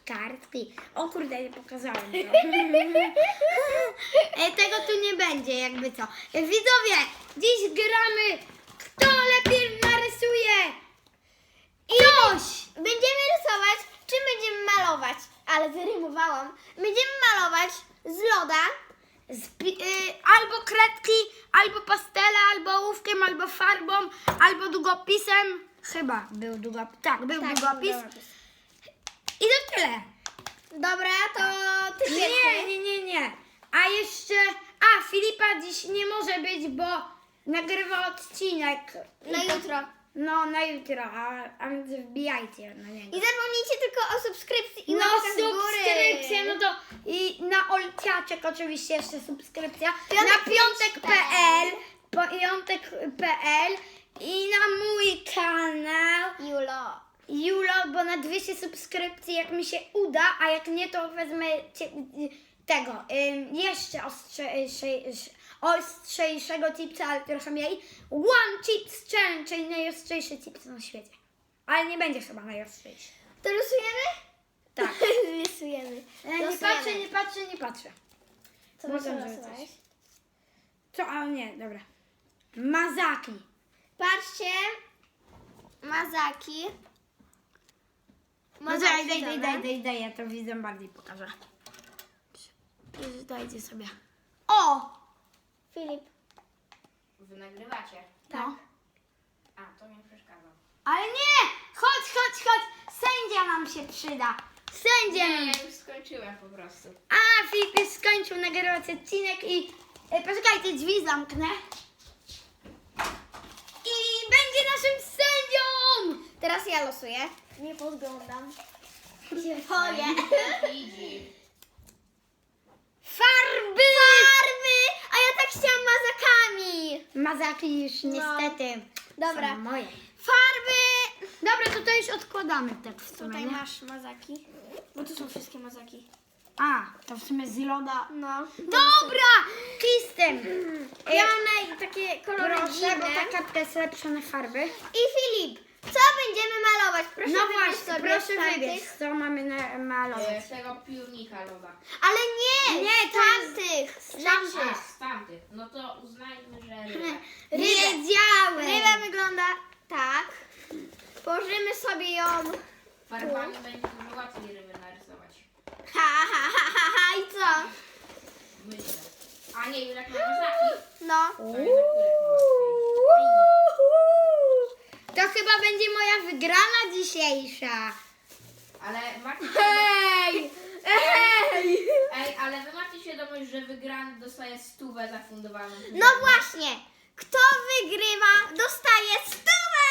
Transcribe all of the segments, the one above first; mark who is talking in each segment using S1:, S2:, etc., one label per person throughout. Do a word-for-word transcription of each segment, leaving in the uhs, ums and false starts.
S1: kartki. O kurde, nie pokazałem to. E, Tego tu nie będzie, jakby co. E, Widzowie, dziś gramy, kto lepiej narysuje. Coś!
S2: Będziemy rysować, czy będziemy malować? Ale wyrymowałam. Będziemy malować z loda.
S1: Z pi- y, albo kredki, albo pastele, albo ołówkiem, albo farbą, albo długopisem. Chyba był długopis. Tak, był
S2: Tak,
S1: długopis.
S2: długopis.
S1: I to tyle.
S2: Dobra, to ty
S1: Nie,
S2: pierwszy.
S1: nie, nie, nie. A jeszcze... A, Filipa dziś nie może być, bo nagrywa odcinek.
S2: Na
S1: I to-
S2: jutro.
S1: No, na jutro, a, a więc wbijajcie na niego.
S2: I zapomnijcie tylko o subskrypcji i
S1: No,
S2: łapkach w górę.
S1: subskrypcja, no to i na Olciaczek oczywiście jeszcze subskrypcja.
S2: Piątek
S1: na piątek kropka pe el, piątek kropka pe el i na mój kanał
S2: Julo.
S1: Julo, bo na dwieście subskrypcji jak mi się uda, a jak nie to wezmę cie, tego ym, jeszcze ostrzejsze, ostrzejszego chipsa, ale trochę mniej. One Chips Challenge, czyli najostrzejszy chips na świecie. Ale nie będzie chyba najostrzejszy.
S2: To rysujemy?
S1: Tak.
S2: Rysujemy.
S1: E, Nie
S2: Losujemy.
S1: patrzę, nie patrzę, nie patrzę.
S2: Co
S1: Mogę
S2: byś
S1: rzucać.
S2: losowałeś?
S1: Co? A nie, dobra. Mazaki.
S2: Patrzcie. Mazaki.
S1: No daj, daj, daj, daj, daj, daj, ja to widzę bardziej pokażę. Dajcie sobie. O!
S2: Filip.
S3: Wy nagrywacie?
S1: Tak.
S3: A, to mi przeszkadza.
S1: Ale nie! Chodź, chodź, chodź! Sędzia nam się przyda. Sędzia
S3: Nie,
S1: nam.
S3: ja już skończyłem po prostu.
S1: A, Filip już skończył nagrywać odcinek i... E, poczekajcie, drzwi zamknę. I będzie naszym sędzią!
S2: Teraz ja losuję. Nie podglądam. Się boję.
S3: Widzi.
S1: Farby!
S2: Farby! A ja tak chciałam mazakami.
S1: Mazaki już niestety
S2: Dobra.
S1: są moje.
S2: Farby!
S1: Dobra, to to już odkładamy tak w sumie,
S2: Tutaj
S1: nie?
S2: masz mazaki. Bo tu są wszystkie mazaki.
S1: A, to w sumie z loda.
S2: No.
S1: Dobra! Kistem!
S2: Ja mam naj- takie kolory
S1: Proszę,
S2: dziwne.
S1: bo ta kartka jest lepsza na farby.
S2: I Filip, co będziemy malować? Proszę
S1: No
S2: wybierz
S1: właśnie,
S2: sobie
S1: proszę
S2: z tamtych.
S1: wybierz, co mamy na, malować.
S3: E, Z tego piórnika loda.
S2: Ale nie,
S1: Nie,
S2: z
S1: to jest-
S2: tamtych. Z
S3: A,
S2: tamtych.
S3: z tamtych. No to uznajmy, że ryba.
S1: Wiedziałem!
S2: Ryba wygląda tak. Położymy sobie ją.
S3: Farbami będzie dużo łatwiej ryby narysować.
S2: Ha, ha, ha, ha, ha. I co?
S3: Myślę. A nie, jak na mazaki,
S2: No.
S3: to jednak Jurek ma łatwiej.
S1: To chyba będzie moja wygrana dzisiejsza.
S3: Ale macie
S1: Hej! Hej!
S3: Ej, ale wy macie świadomość, że wygrany dostaje stówę zafundowaną.
S2: No właśnie. Kto wygrywa, dostaje stówę.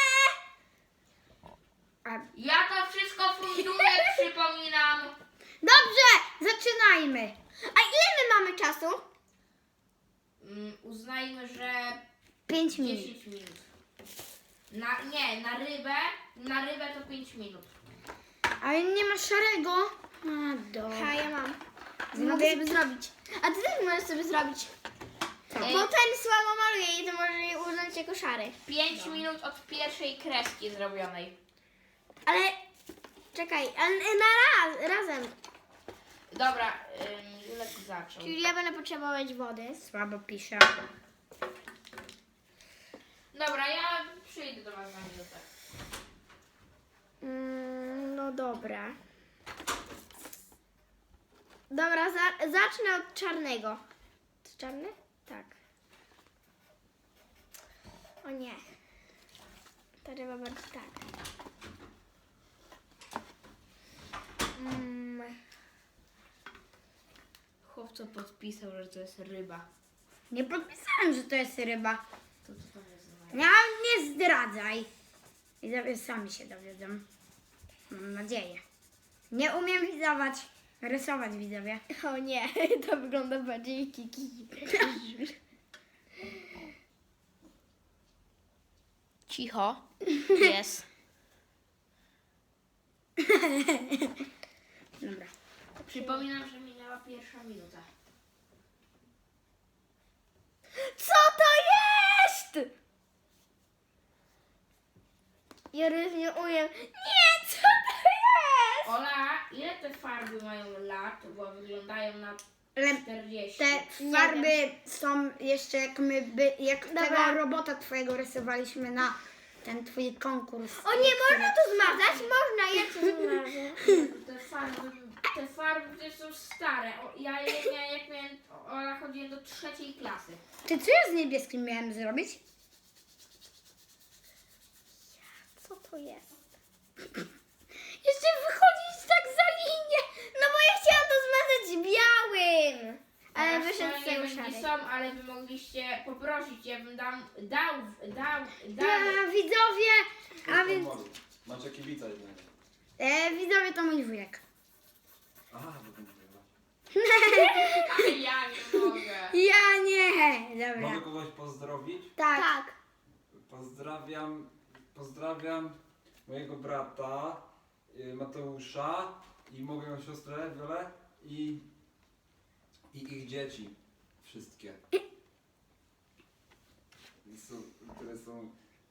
S1: A,
S3: Ja to wszystko funduję, przypominam.
S1: dobrze, zaczynajmy.
S2: A ile my mamy czasu?
S3: Mm, uznajmy, że
S1: Pięć minut.
S3: dziesięć minut. Na, nie, na rybę, na rybę to pięć minut.
S1: Ale nie ma szarego. A, dobra.
S2: Ha, ja mam.
S1: Zrobię-
S2: Mogę sobie zrobić. A ty też możesz sobie zrobić.
S1: Co?
S3: Ej.
S2: Bo ten słabo maluje i to może je uznać jako szary.
S3: pięć minut od pierwszej kreski zrobionej.
S2: Ale czekaj, ale na raz, razem.
S3: Dobra, ym, Julek zaczął.
S2: Czyli ja będę potrzebować wody.
S1: Słabo pisze.
S3: Dobra, ja przyjdę do was na minutę.
S2: Mm, no dobra. Dobra, za, zacznę od czarnego. To czarny? Tak. O nie. To trzeba bardziej tak. Mm,
S3: Chłopco podpisał, że to jest ryba.
S1: Nie podpisałem, że to jest ryba.
S3: To co to jest za
S1: Ja nie zdradzaj. Widzowie sami się dowiedzą. Mam nadzieję. Nie umiem wizować. Rysować widzowie.
S2: o nie, to wygląda bardziej kiki.
S3: Cicho. Jest.
S1: Dobra.
S3: Przypominam, że minęła pierwsza minuta.
S2: Co to jest? Ja już nie umiem. Nie, co to jest?
S3: Ola, ile te farby mają lat, bo wyglądają na
S1: Ale
S3: czterdzieści.
S1: te farby są jeszcze jak my, by, jak
S2: Dobra.
S1: tego robota twojego rysowaliśmy na ten twój konkurs.
S2: O nie, można to zmazać? Można, ja to zmarzę.
S3: Te farby, te farby też są stare. O, ja je miałem, jak miałem, o, ja chodziłem do trzeciej klasy.
S1: Ty co ja z niebieskim miałem zrobić?
S2: Co to jest?
S1: Jeszcze wychodzić tak za linię.
S2: No bo ja chciałam to zmazać białym. Ale
S3: Teraz
S2: wyszedł
S3: to
S2: z
S3: nie
S2: tego
S3: będzie
S2: szary.
S3: są, ale wy mogliście poprosić, ja bym dam, dał, dał, dał.
S1: A, widzowie, a więc
S4: Macie kibica jednego.
S1: e, widzowie to mój wujek.
S4: Aha, bo to nie
S3: Ja nie mogę.
S1: Ja nie. Dobra.
S4: Mogę kogoś pozdrowić?
S1: Tak.
S2: Tak.
S4: Pozdrawiam, pozdrawiam mojego brata y, Mateusza i moją siostrę Wiolę i, i ich dzieci. Wszystkie. I są, które są,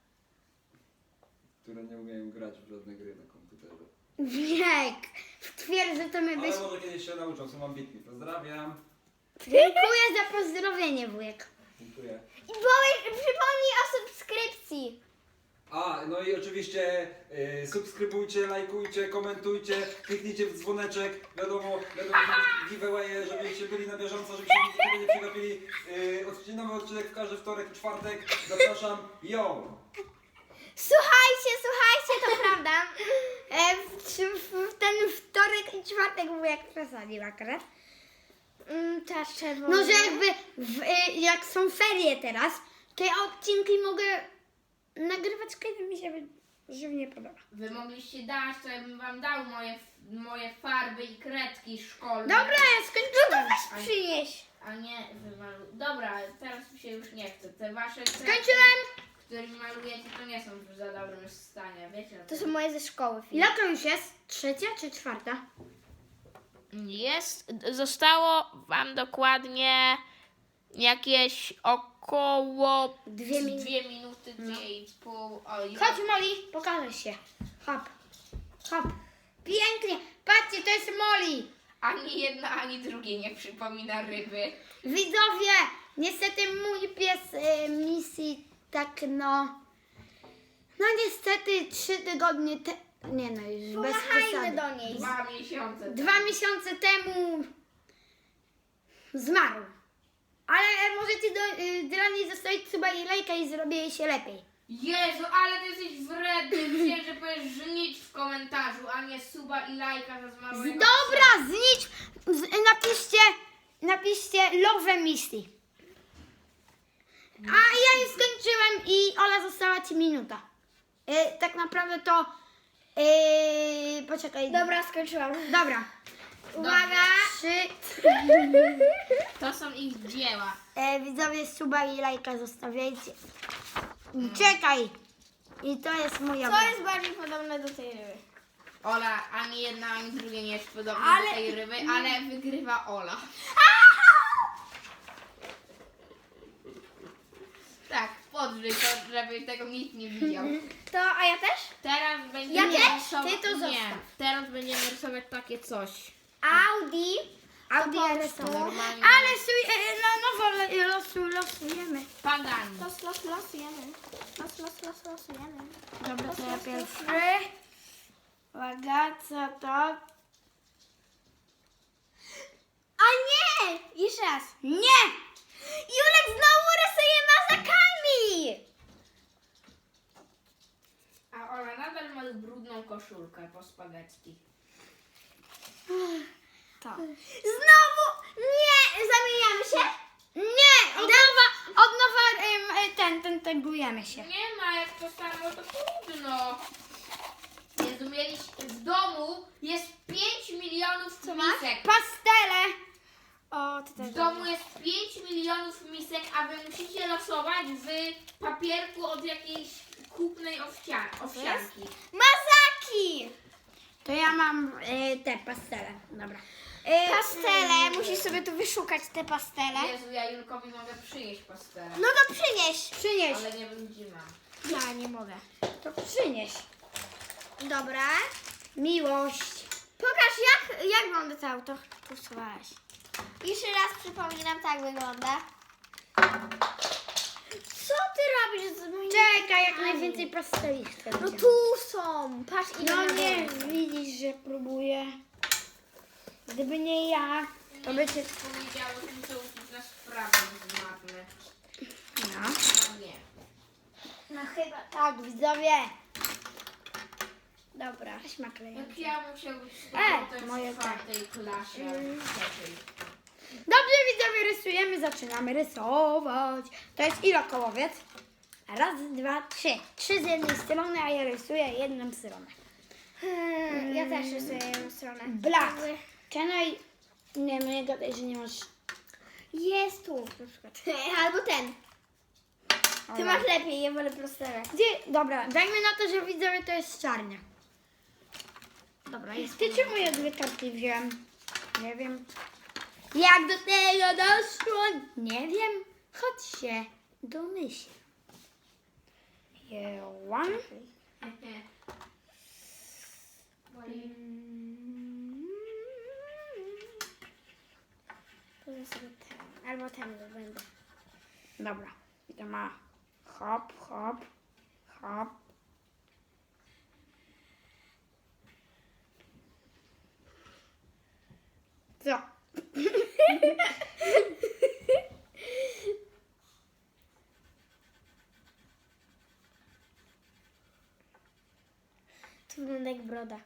S4: które nie umieją grać w żadne gry na komputerze.
S1: Wiek. W twierdzy to my byś...
S4: Ale może kiedyś się nauczą, są ambitni. Pozdrawiam.
S1: Dziękuję za pozdrowienie, wujek.
S4: Dziękuję.
S2: I powiedz, przypomnij o subskrypcji.
S4: A, no i oczywiście y, subskrybujcie, lajkujcie, komentujcie, kliknijcie w dzwoneczek, wiadomo, wiadomo, że giveawaye, żebyście byli na bieżąco, żebyście nigdy nie przegapili. Y, odcinek- nowy odcinek w każdy wtorek i czwartek. Zapraszam, yo!
S2: Słuchajcie, słuchajcie, to prawda.
S1: E, w, w, w ten wtorek i czwartek wujek przesadził akurat.
S2: Mm, ta czerwona.
S1: No, że jakby w, e, jak są ferie teraz, to ja odcinki mogę nagrywać, kiedy mi się wy- żywnie podoba.
S3: Wy mogliście dać, to ja bym wam dał moje, moje farby i kredki szkolne.
S1: Dobra, ja skończyłem.
S3: A,
S2: Przynieś.
S3: a nie wy malu... Dobra, teraz mi się już nie chce. Te wasze kredki,
S1: Skończyłem.
S3: którymi malujecie, to nie są w za dobrym stanie, wiecie? o
S2: To
S3: tym?
S2: są moje ze szkoły.
S1: Ile to już jest? Trzecia czy czwarta?
S3: Jest, zostało wam dokładnie jakieś około
S1: Dwie minuty.
S3: dwie minuty, dwie i pół. O, i
S1: Chodź, Molly, pokażę się. Hop, hop. Pięknie. Patrzcie, to jest Molly.
S3: ani jedna, ani drugie nie przypomina ryby.
S1: Widzowie, niestety mój pies y, misji tak no... No niestety trzy tygodnie te... Nie no, już bez
S2: Pomachajmy
S1: przesady.
S2: do niej.
S3: Dwa miesiące.
S1: Dwa miesiące temu zmarł. Ale możecie do, y, dla niej zostawić suba i lajka i zrobię jej się lepiej.
S3: Jezu, ale ty jesteś wredny. Myślałem, że powiesz żnić w komentarzu, a nie suba i lajka za zmarłego psa.
S1: Dobra, znicz, z, napiszcie, napiszcie love misji. A ja już skończyłem i Ola została ci minuta. Y, tak naprawdę to... Y, poczekaj.
S2: Dobra, skończyłam.
S1: Dobra. Uwaga. Trzy.
S3: To są ich dzieła.
S1: E, widzowie, suba i lajka zostawiajcie. Czekaj. I to jest moja...
S2: Co jest bardziej podobne do tej ryby?
S3: Ola, ani jedna, ani drugie nie jest podobne
S1: Ale-
S3: do tej ryby, ale wygrywa Ola. Tak, podrzyj to, żeby tego nikt nie widział.
S2: To, a ja też?
S3: Teraz będziemy
S2: Ja też?
S3: rysować...
S1: Ty to
S3: Nie,
S1: zostaw.
S3: teraz będziemy rysować takie coś.
S2: Audi.
S1: Audi
S2: po
S1: R S.
S2: prostu.
S3: Normalnie.
S1: Ale suj, e, na nowo le- losu, losujemy.
S3: Pagani.
S2: Los, los, losujemy. Los, los, los, losujemy.
S1: Dobra, to ja
S2: los, los,
S1: pierwszy. Uwaga, co to?
S2: A nie! Jeszcze raz.
S1: Nie!
S2: Julek znowu rysuje mazakami!
S3: A Ola nadal ma brudną koszulkę po spaghetti.
S2: To. Znowu! Nie! Zamieniamy się?
S1: Nie! Od nowa, od nowa em, e, ten, ten, tegujemy się.
S3: Nie ma, jak to samo, to trudno. Jezu, mieliście w domu jest pięć milionów misek.
S1: Pastele.
S2: O, to też.
S3: W domu jest pięć milionów misek, a wy musicie losować w papierku od jakiejś kupnej owcia- owsianki.
S2: Mazaki!
S1: To ja mam e, te pastele. Dobra. E,
S2: Pastele. Musisz sobie tu wyszukać te pastele.
S3: Jezu, ja Julkowi mogę przynieść pastelę,
S2: No to przynieś.
S1: Przynieś.
S3: ale nie wiem gdzie mam.
S2: Ja nie mogę.
S1: To przynieś.
S2: Dobra.
S1: Miłość.
S2: Pokaż jak, jak wygląda to auto. Tu schowałeś. Jeszcze raz przypominam, tak wygląda. Co ty robisz z moim...
S1: Czekaj, jak najwięcej pasteli chcę.
S2: No tu są. Patrz ile
S1: No
S2: na
S1: nie,
S2: dole.
S1: widzisz, że próbuję. Gdyby nie ja, to by cię...
S3: Powiedziało, że to uczyć na sprawę z matmy.
S1: No.
S3: No nie.
S1: No chyba tak, widzowie. Dobra, śmakleję.
S3: Jak ja musiał być z
S1: E,
S3: powrotem
S1: moje
S3: w czwartej klasie.
S1: Mm.
S3: Trzeciej.
S1: Dobrze, widzowie, rysujemy, zaczynamy rysować. To jest ilokołowiec. Raz, dwa, trzy. Trzy z jednej strony, a ja rysuję jedną stronę.
S2: Hmm, ja też rysuję jedną stronę.
S1: Black. Czekaj. Nie, no nie gadaj, że nie masz...
S2: Jest tu na przykład. Albo ten. Ty
S1: Dobra.
S2: masz lepiej, ja wolę prostego.
S1: Gdzie? Dobra, dajmy na to, że widzowie to jest czarnia. Dobra, jest. Ty czemu ja dwie karty wziąłem? Nie wiem. Jak do tego doszło? Nie wiem. Chodź się domyśl. Jełam.
S2: Powiem sobie ten. Albo ten będę.
S1: Dobra. I to ma hop, hop, hop. Co?
S2: To wygląda jak broda.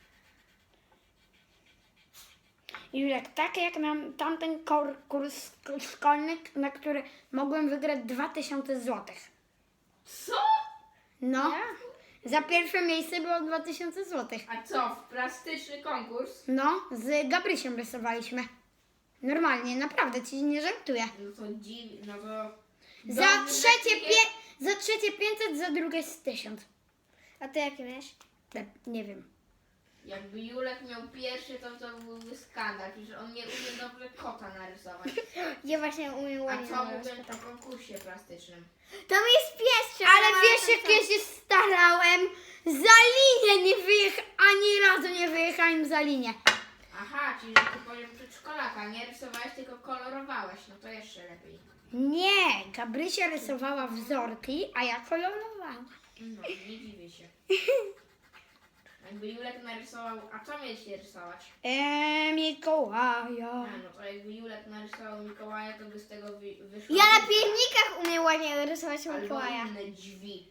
S1: Julek, tak jak nam tamten kor- kurs szkolny, na który mogłem wygrać dwa tysiące złotych.
S3: Co?
S1: No, za pierwsze miejsce było dwa tysiące złotych.
S3: A co, w plastyczny konkurs?
S1: No, z Gabrysiem rysowaliśmy. Normalnie, naprawdę ci nie żartuję.
S3: No to dziw, no to...
S1: Za
S3: Dobrze,
S1: trzecie,
S3: że nie-
S1: pie- za trzecie pięćset, za drugie z tysiąc.
S2: A ty jakie miałeś?
S1: Te- Nie wiem.
S3: Jakby Julek miał pierwszy, to to byłby skandal, że on nie umie dobrze kota narysować.
S2: Ja właśnie umiem
S3: A
S2: ładnie
S3: co
S2: narysować.
S3: mówię po konkursie plastycznym?
S2: Tam jest pies, trzeba
S1: Ale
S2: na-
S1: wiesz, jak ja się starałem? Za linię nie wyjechałem, ani razu nie wyjechałem za linię.
S3: Aha, czyli że ty poziom przedszkolaka, nie rysowałeś, tylko kolorowałeś, no to jeszcze lepiej.
S1: Nie, Gabrysia rysowała wzorki, a ja kolorowałam.
S3: No, nie dziwię się. Jakby Julek narysował, a co mieliście rysować?
S1: Eee, Mikołaja.
S3: A, no to jakby Julek narysował Mikołaja, to by z tego wy, wyszło...
S2: Ja na piernikach umiem ładnie rysować
S3: Albo
S2: Mikołaja.
S3: inne drzwi.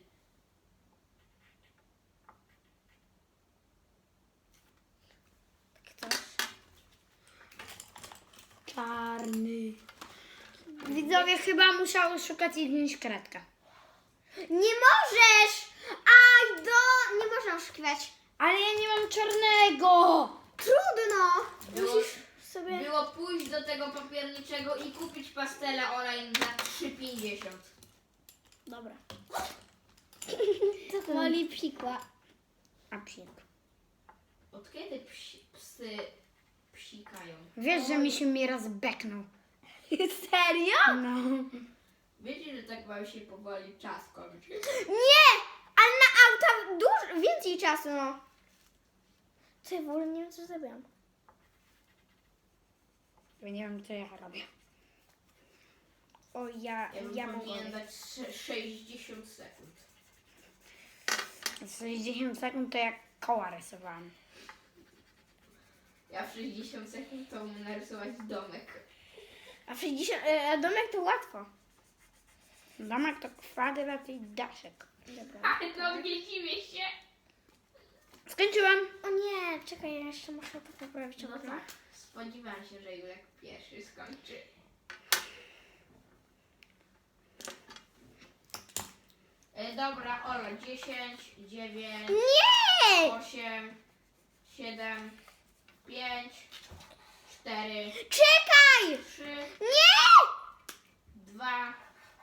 S2: Ktoś.
S1: Czarny. Widzowie, chyba musiał szukać i wziąć kredkę.
S2: Nie możesz! Aj, do... Nie można oszukiwać.
S1: Ale ja nie mam czarnego.
S2: Trudno!
S3: Było,
S2: Musisz sobie...
S3: było pójść do tego papierniczego i kupić pastele olej za trzy pięćdziesiąt.
S1: Dobra.
S2: Co to? Woli psikła.
S1: A psik.
S3: Od kiedy psi, psy psikają?
S1: Wiesz, że mi się mi raz beknął.
S2: Serio?
S1: No.
S3: Wiecie, że tak wam się powoli czas kończy?
S2: Nie! Ale na auta dużo, więcej czasu, no. Co ja w ogóle nie wiem, co zrobiłam.
S1: Ja nie wiem, co ja robię.
S2: O, ja,
S3: Ja bym
S2: ja
S3: powinien
S2: mogę.
S3: dać sze- sześćdziesiąt sekund.
S1: sześćdziesiąt sekund to jak koła rysowałam.
S3: Ja w sześćdziesiąt sekund to umiem narysować domek.
S2: A w sześćdziesiąt... E, domek to łatwo.
S1: Domek to kwadrat i daszek.
S2: Dobra.
S3: Ale to nie dziwię się.
S1: Skończyłam.
S2: O nie, czekaj, ja jeszcze muszę to poprawić.
S3: No
S2: dobra?
S3: tak, spodziewałam się, że Julek pierwszy skończy. E, dobra, Ola, dziesięć, dziewięć,
S2: Nie!
S3: osiem, siedem, pięć, cztery,
S2: Czekaj!
S3: trzy,
S2: Nie!
S3: dwa,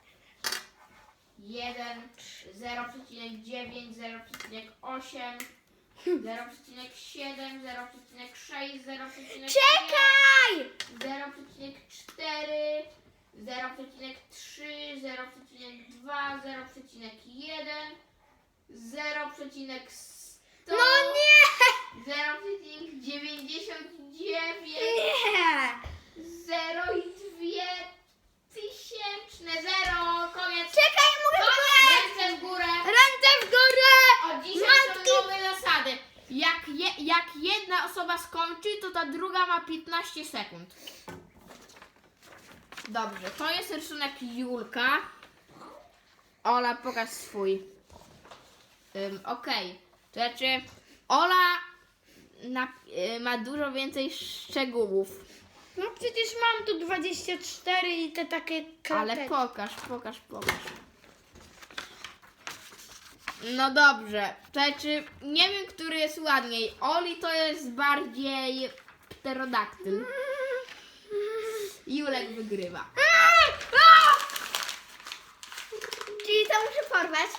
S3: jeden, zero przecinek dziewięć, zero przecinek osiem, zero przecinek siedem, zero przecinek sześć, zero przecinek
S2: Czekaj!
S3: zero przecinek cztery, zero przecinek trzy, zero przecinek dwa, zero przecinek jeden, zero przecinek sto,
S2: No nie!
S3: zero przecinek dziewięćdziesiąt dziewięć,
S1: Nie!
S3: zero i dwie tysięczne, zero, koniec.
S2: Czekaj, mogę powiedzieć!
S3: Ręce w górę.
S1: Ręce w górę!
S3: Od dzisiaj
S1: Matki!
S3: są nowe zasady. Jak, je, jak jedna osoba skończy, to ta druga ma piętnaście sekund. Dobrze, to jest rysunek Julka. Ola, pokaż swój. Um, Okej, to znaczy Ola na, y, ma dużo więcej szczegółów.
S1: No przecież mam tu dwadzieścia cztery i te takie
S3: Ale
S1: krateczki.
S3: pokaż, pokaż, pokaż. No dobrze, to znaczy nie wiem, który jest ładniej. Oli to jest bardziej pterodaktyl. Julek wygrywa.
S2: Czyli to muszę porwać.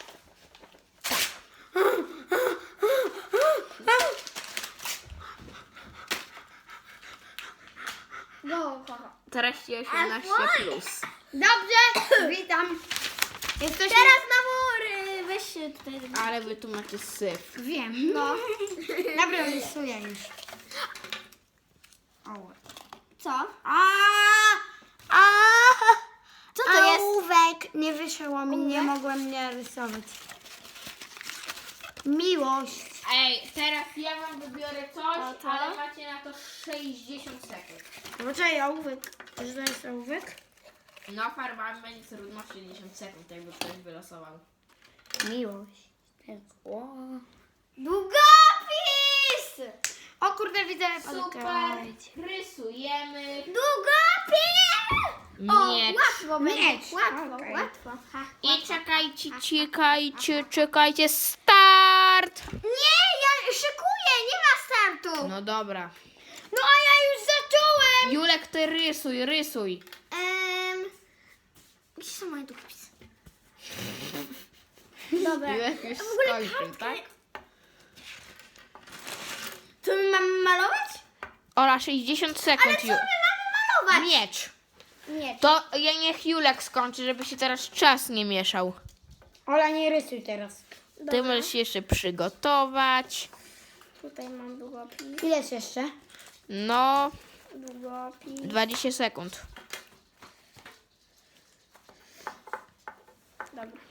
S2: Go, go.
S3: Treści osiemnaście plus.
S1: Dobrze, witam. Jesteśmy...
S2: Teraz na mury. Weź się tutaj.
S3: Ale wy tu macie syf.
S1: Wiem.
S2: No.
S1: Dobra, rysuję już. O.
S2: Co?
S1: A, a,
S2: Co to jest?
S1: Ołówek. Nie wyszło mi, nie
S2: Ołówek?
S1: mogłem nie rysować. Miłość.
S3: Ej, teraz ja wam wybiorę coś,
S2: O, to?
S3: ale macie na to sześćdziesiąt sekund.
S1: Poczekaj, ołówek. To jest ołówek?
S3: No farbami będzie trudno sześćdziesiąt sekund, jakby ktoś wylosował.
S1: Miłość. O,
S2: Długopis!
S1: o kurde, widzę.
S3: Super, rysujemy.
S2: Długopis! O,
S3: Miecz.
S2: łatwo będzie.
S1: Miecz.
S2: Łatwo,
S1: Okej.
S2: łatwo. Ha,
S3: I czekajcie, czekajcie, czekajcie, start!
S2: Nie, ja szykuję, nie ma startu.
S3: No dobra.
S1: No a ja już zacząłem.
S3: Julek, ty rysuj, rysuj.
S2: Em, gdzie są moje długopisy? Dobra.
S3: Julek już
S2: A w ogóle
S3: skończył,
S2: kartkę-
S3: tak?
S2: Co my mamy malować?
S3: Ola, sześćdziesiąt sekund.
S2: Ale co my mamy malować?
S3: Miecz.
S2: Nie.
S3: To ja niech Julek skończy, żeby się teraz czas nie mieszał.
S1: Ola, nie rysuj teraz.
S3: Ty możesz się jeszcze przygotować.
S2: Tutaj mam długopis.
S1: Ile jest jeszcze?
S3: No,
S2: Długopis.
S3: dwadzieścia sekund.
S2: Dobra.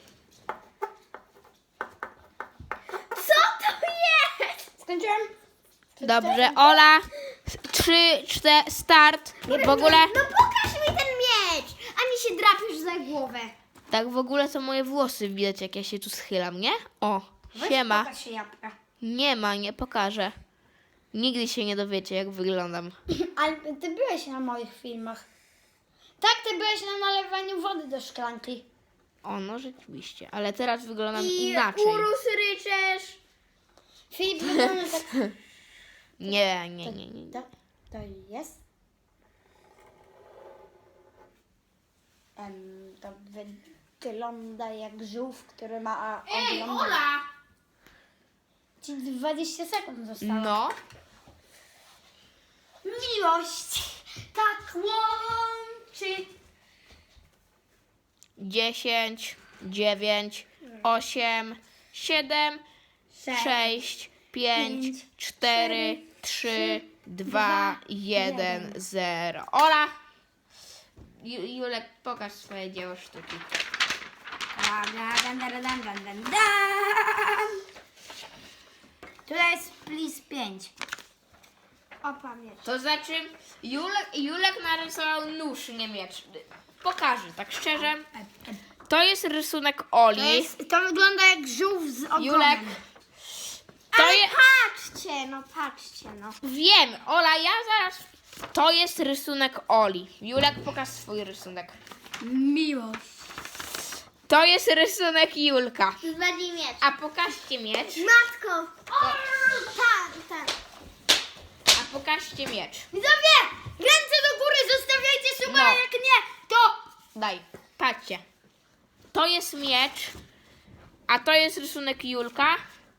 S2: Co to jest?
S1: Skończyłem?
S3: Dobrze, Ola, trzy, cztery, start. W ogóle,
S2: No pokaż mi ten miecz, a mi się drapisz za głowę.
S3: tak w ogóle to moje włosy widać, jak ja się tu schylam, nie? O,
S1: Weź
S3: siema.
S1: pokaż się jabłka.
S3: Nie ma, nie pokażę. Nigdy się nie dowiecie, jak wyglądam.
S1: Ale ty byłeś na moich filmach. Tak, ty byłeś na nalewaniu wody do szklanki.
S3: O, no rzeczywiście, ale teraz wyglądam
S2: I
S3: inaczej.
S2: urósł ryczesz.
S1: Filip wygląda tak...
S3: Nie, nie, nie, nie.
S1: To, to jest... Em, to wygląda jak żółw, który ma
S3: Ej,
S1: oglądać.
S3: Ola!
S1: Ci dwadzieścia sekund zostało.
S3: No,
S2: Miłość tak łączy.
S3: dziesięć, dziewięć, osiem, siedem,
S1: Sześć,
S3: sześć, pięć,
S1: pięć,
S3: cztery, trzy, dwa, jeden, zero. Ola! Ju- Julek, pokaż swoje dzieło sztuki.
S1: Dan, dan, dan, dan, dan, dan, dan. Tutaj jest please pięć.
S2: O, pamięć.
S3: To znaczy, Julek, Julek narysował nóż, nie miecz. Pokażę, tak szczerze. To jest rysunek
S1: To,
S3: Oli.
S1: jest, to wygląda jak żółw z ogonem.
S3: Julek. To
S2: Ale
S3: je...
S2: patrzcie, no patrzcie, no.
S3: Wiem, Ola, ja zaraz... To jest rysunek Oli. Julek, pokaż swój rysunek.
S1: Miłość.
S3: To jest rysunek Julka.
S2: Zwali miecz.
S3: A pokażcie miecz.
S2: Matko. Tak, tak.
S3: A pokażcie miecz.
S1: Widzowie, ręce do góry, zostawiajcie suba,
S3: No.
S1: jak nie, to...
S3: Daj, patrzcie. To jest miecz. A to jest rysunek Julka.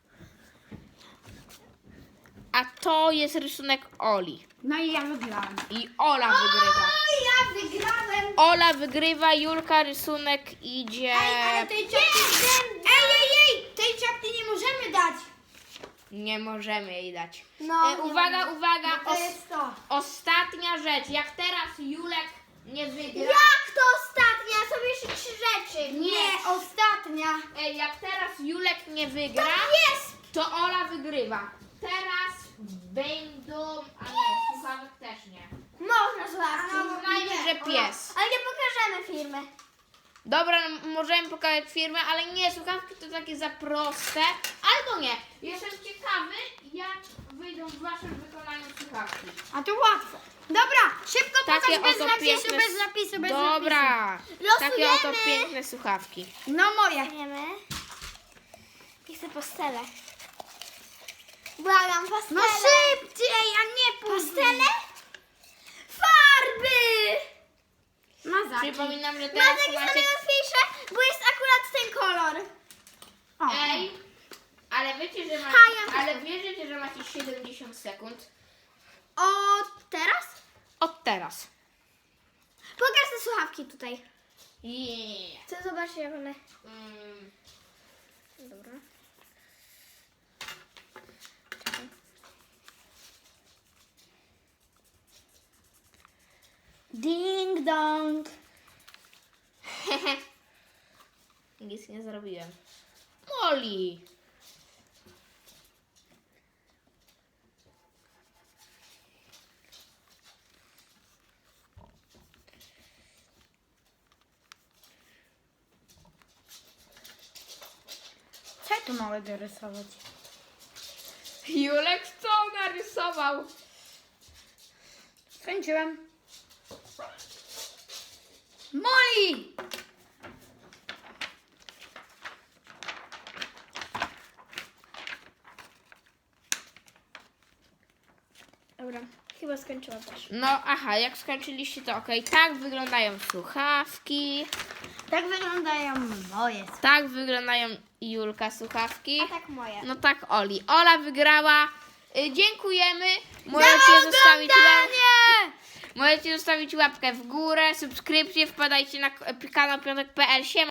S3: A to jest rysunek Oli.
S1: No i ja wygrałam.
S3: I Ola wygrywa.
S2: O, ja wygrałem.
S3: Ola wygrywa, Julka rysunek idzie...
S1: Ej, ale tej czapki... Ej, ej, ej, tej czapki nie możemy dać.
S3: Nie możemy jej dać.
S2: No,
S3: E,
S2: nie
S3: uwaga,
S2: możemy.
S3: uwaga.
S1: To
S3: Os-
S1: jest to.
S3: ostatnia rzecz. Jak teraz Julek nie wygra.
S2: Jak to ostatnia? Są jeszcze trzy rzeczy.
S1: Nie, ostatnia.
S3: Ej, jak teraz Julek nie wygra,
S2: Jest!
S3: to Ola wygrywa. Teraz będą. A nie, słuchawek też nie.
S2: Można słuchawki.
S3: Uznajmy, że pies.
S2: Ale nie pokażemy firmy.
S3: Dobra, no, możemy pokazać firmę, ale nie, słuchawki to takie za proste. Albo nie. Jestem ciekawy, jak wyjdą w waszym wykonaniu słuchawki.
S1: A to łatwo. Dobra, szybko
S3: Takie
S1: pokaż bez
S3: oto
S1: napisu,
S3: piękne...
S1: bez napisu, bez
S3: Dobra.
S1: napisu.
S3: Takie oto
S2: Losujemy.
S3: piękne słuchawki.
S1: No moje.
S2: Wiemy. I chcę pastele. Błagam, pastele.
S1: No szybciej, a nie później.
S2: Pastele? Farby!
S1: Mazaki.
S3: Przypominam, że
S2: Mazek
S3: teraz
S2: jest
S3: macie...
S2: najłatwiejsze, bo jest akurat ten kolor.
S1: O.
S3: Ej, ale wiecie, że macie...
S2: Ha, ja
S3: Ale wierzycie, że macie siedemdziesiąt sekund?
S2: O, teraz?
S3: Od teraz.
S2: Pokaż te słuchawki tutaj.
S3: Yeah.
S2: Chcę zobaczyć, jak one...
S3: Mm.
S2: Dobra.
S1: Ding dong.
S3: Nic nie zrobiłem. Moli.
S1: Co ja tu małe dorysować?
S3: Julek co narysował?
S1: Skończyłem. Moli!
S2: Dobra, chyba skończyłam też.
S3: No aha, jak skończyliście to okej. Tak wyglądają słuchawki.
S1: Tak wyglądają moje.
S3: Tak wyglądają Julka słuchawki.
S2: A tak moje.
S3: No tak Oli. Ola wygrała. Y, dziękujemy. Możecie zostawić, łap... Możecie zostawić łapkę w górę, subskrypcję, wpadajcie na k- kanał piątek kropka p l. Siema.